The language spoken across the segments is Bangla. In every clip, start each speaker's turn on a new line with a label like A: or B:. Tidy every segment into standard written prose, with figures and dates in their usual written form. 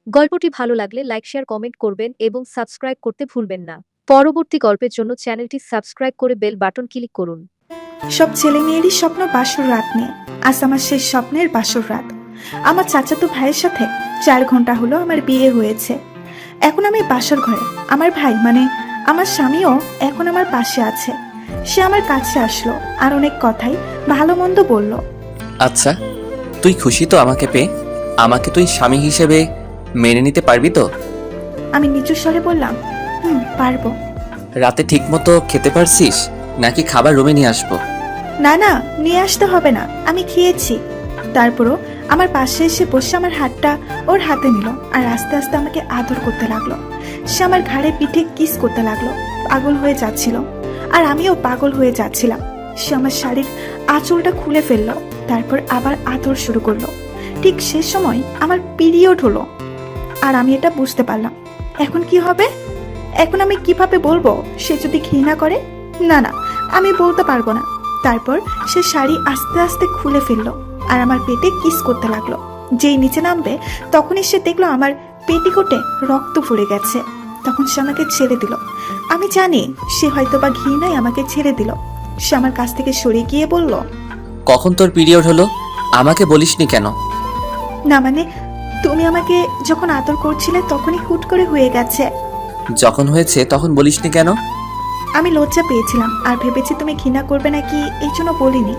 A: গল্পটি ভালো লাগলে লাইক শেয়ার কমেন্ট করবেন এবং সাবস্ক্রাইব করতে ভুলবেন না। পরবর্তী গল্পের জন্য চ্যানেলটি সাবস্ক্রাইব করে বেল বাটন ক্লিক করুন।
B: সব ছেলে মেয়েরই স্বপ্ন বাসর রাত নিয়ে। আজ আমার শেষ স্বপ্নের বাসর রাত। আমার চাচাতো ভাইয়ের সাথে 4 ঘন্টা হলো আমার বিয়ে হয়েছে। এখন আমি বাসর ঘরে। আমার ভাই মানে আমার স্বামীও এখন আমার পাশে আছে। সে আমার কাছে আসলো আর অনেক কথাই ভালো মন্দ বলল।
C: আচ্ছা, তুই খুশি তো আমাকে পেয়ে? আমাকে তুই স্বামী হিসেবে মেনে নিতে পারবি তো?
B: আমি নিচু স্বরে বললাম, পারবো।
C: রাতে ঠিকমতো খেতে পারছিস নাকি খাবার রুমে নিয়ে আসবো?
B: না না, নিয়ে আসতে হবে না, আমি খেয়েছি। তারপরও আমার পাশে এসে বসে আমার হাতটা ওর হাতে নিল আর আস্তে আস্তে আমাকে আদর করতে লাগলো। সে আমার ঘাড়ে পিঠে কিস করতে লাগলো। পাগল হয়ে যাচ্ছিল আর আমিও পাগল হয়ে যাচ্ছিলাম। সে আমার শাড়ির আঁচলটা খুলে ফেললো, তারপর আবার আদর শুরু করলো। ঠিক সে সময় আমার পিরিয়ড হলো আর আমি এটা বুঝতে পারলাম। এখন কি হবে? এখন আমি কিভাবে বলবো সে যদি ঘৃণা করে? না না, আমি বলতে পারবো না। তারপর সে শাড়ি আস্তে আস্তে খুলে ফেললো আর আমার পেটে কিস করতে লাগলো। যেই নিচে নামবে তখনই সে দেখলো আমার পেটিকোটে রক্ত ফুলে গেছে। তখন সে আমাকে ছেড়ে দিল। আমি জানি সে হয়তো বা ঘৃণায় আমাকে ছেড়ে দিল। সে আমার কাছ থেকে সরে গিয়ে বলল,
C: কখন তোর পিরিয়ড হলো আমাকে বলিসনি কেন?
B: না মানে তুমি আমাকে যখন আদর করছিলে তখনই হুট করে হয়ে গেছে।
C: যখন হয়েছে তখন বলিসনি কেন?
B: আমি লজ্জা পেয়েছিলাম আর ভেবেছি তুমি ঘৃণা করবে নাকি, এই জন্য বলিনি।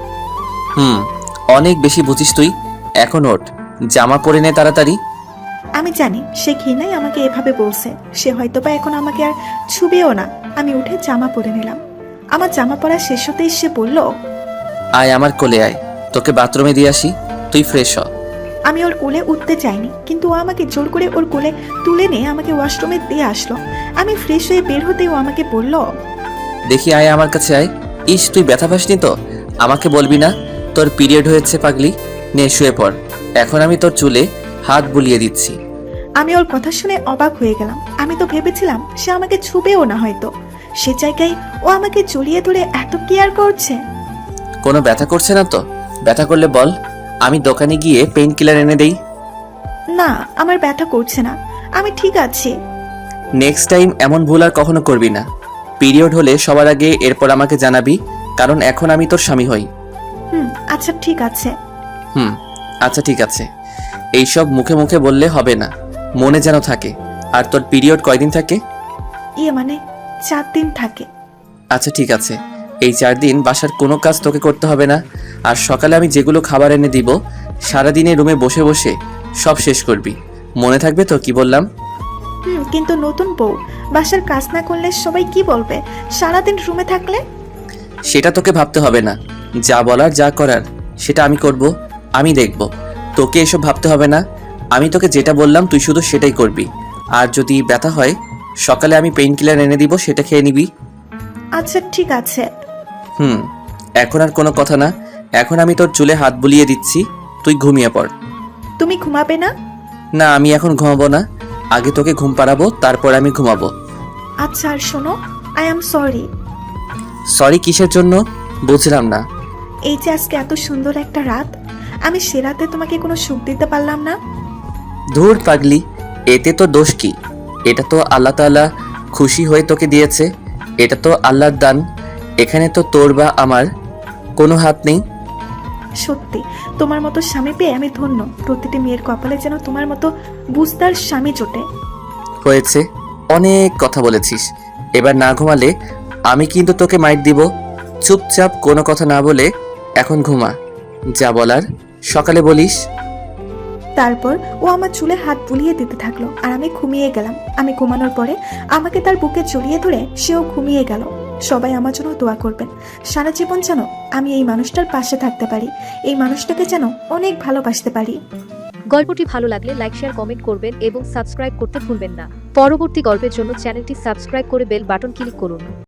C: অনেক বেশি বুঝিস তুই। এখন ওঠ, জামা পরে নে তাড়াতাড়ি।
B: আমি জানি সে ঘৃণাই আমাকে এভাবে বলছে। সে হয়তোবা এখন আমাকে আর ছুবেও না। আমি উঠে জামা পরে নিলাম। আমার জামা পরা শেষ হতেই সে বলল,
C: আয় আমার কোলে আয়, তোকে বাথরুমে দিয়ে আসি, তুই ফ্রেশ হ।
B: আমি ওর কোলে উঠতে চাইনি, কিন্তু ও আমাকে জোর করে ওর কোলে তুলে নিয়ে আমাকে ওয়াশরুমে দিয়ে আসলো। আমি ফ্রেশ হয়ে বের হতেই ও আমাকে বলল,
C: দেখি আয় আমার কাছে আয়। ইস, তুই ব্যথা পাসনি তো? আমাকে বলবি না তোর পিরিয়ড হয়েছে পাগলি? নে শুয়ে পড়, এখন আমি তোর চুলে হাত বুলিয়ে দিচ্ছি।
B: আমি ওর কথা শুনে অবাক হয়ে গেলাম। আমি তো ভেবেছিলাম সে আমাকে ছুবেও না হয়তো। সে জায়গায় ও আমাকে জড়িয়ে ধরে এত কেয়ার করছে।
C: কোনো ব্যথা করছে না তো? ব্যথা করলে বল, আমি দোকানে গিয়ে পেইন কিলার এনে দেই।
B: না, আমার ব্যথা করছে না, আমি ঠিক আছি।
C: নেক্সট টাইম এমন ভুল আর কখনো করবি না। পিরিয়ড হলে সবার আগে এরপর আমাকে জানাবি, কারণ এখন আমি তোর স্বামী হই।
B: আচ্ছা ঠিক আছে।
C: আচ্ছা ঠিক আছে। এইসব মুখে মুখে বললে হবে না, মনে যেন থাকে। আর তোর পিরিয়ড কয়দিন থাকে?
B: মানে 4 দিন থাকে।
C: আচ্ছা ঠিক আছে, এই 4 দিন বাসার কোনো কাজ তোকে করতে হবে না। আর সকালে আমি যেগুলো খাবার এনে দিব, সারাদিনে রুমে বসে বসে সব শেষ করবি। মনে থাকবে তো কি বললাম?
B: কিন্তু নতুন বউ বাসার কাজ না করলে সবাই কি বলবে সারাদিন রুমে থাকলে?
C: সেটা তোকে ভাবতে হবে না। যা বলার যা করার সেটা আমি করব, আমি দেখব। তোকে এসব ভাবতে হবে না। আমি তোকে যেটা বললাম তুই শুধু সেটাই করবি। আর যদি ব্যথা হয় সকালে আমি পেইন কিলার এনে দিব, সেটা খেয়ে নিবি।
B: আচ্ছা ঠিক আছে।
C: এখন আর কোনো কথা না। এখন আমি তোর চুলে হাত বুলিয়ে দিচ্ছি, তুই ঘুমিয়ে পড়।
B: তুমি ঘুমাবে না?
C: না, আমি এখন ঘুমাবো না। আগে তোকে ঘুম পাড়াবো, তারপর আমি ঘুমাবো।
B: আচ্ছা, আর শোনো, আই এম সরি।
C: সরি কিসের জন্য বুঝলাম না।
B: এই যে আজকে এত সুন্দর একটা রাত, আমি সে রাতে তোমাকে কোনো সুখ দিতে পারলাম না।
C: ধুর পাগলি, এতে তো দোষ কি? এটা তো আল্লাহ তাআলা খুশি হয়ে তোকে দিয়েছে। এটা তো আল্লাহর দান। এখানে তো তোর বা আমার কোনো হাত নেই।
B: সত্যি তোমার মতো স্বামী পেয়ে আমি ধন্য। প্রতিটি মেয়ের কপালে যেন তোমার মতো বুঝদার স্বামী জোটে।
C: হয়েছে, অনেক কথা বলেছিস। এবার না ঘুমালে আমি কিন্তু তোকে মাইর দিব। চুপচাপ কোনো কথা না বলে এখন ঘুমা। যা বলার সকালে বলিস।
B: তারপর ও আমার চুলে হাত বুলিয়ে দিতে থাকলো আর আমি ঘুমিয়ে গেলাম। আমি ঘুমানোর পরে আমাকে তার বুকে জড়িয়ে ধরে সেও ঘুমিয়ে গেল। সবাই আমার জন্য দোয়া করবেন। সারা জীবন যেন আমি এই মানুষটার পাশে থাকতে পারি, এই মানুষটাকে যেন অনেক ভালোবাসতে পারি।
A: গল্পটি ভালো লাগলে লাইক শেয়ার কমেন্ট করবেন এবং সাবস্ক্রাইব করতে ভুলবেন না। পরবর্তী গল্পের জন্য চ্যানেলটি সাবস্ক্রাইব করে বেল বাটন ক্লিক করুন।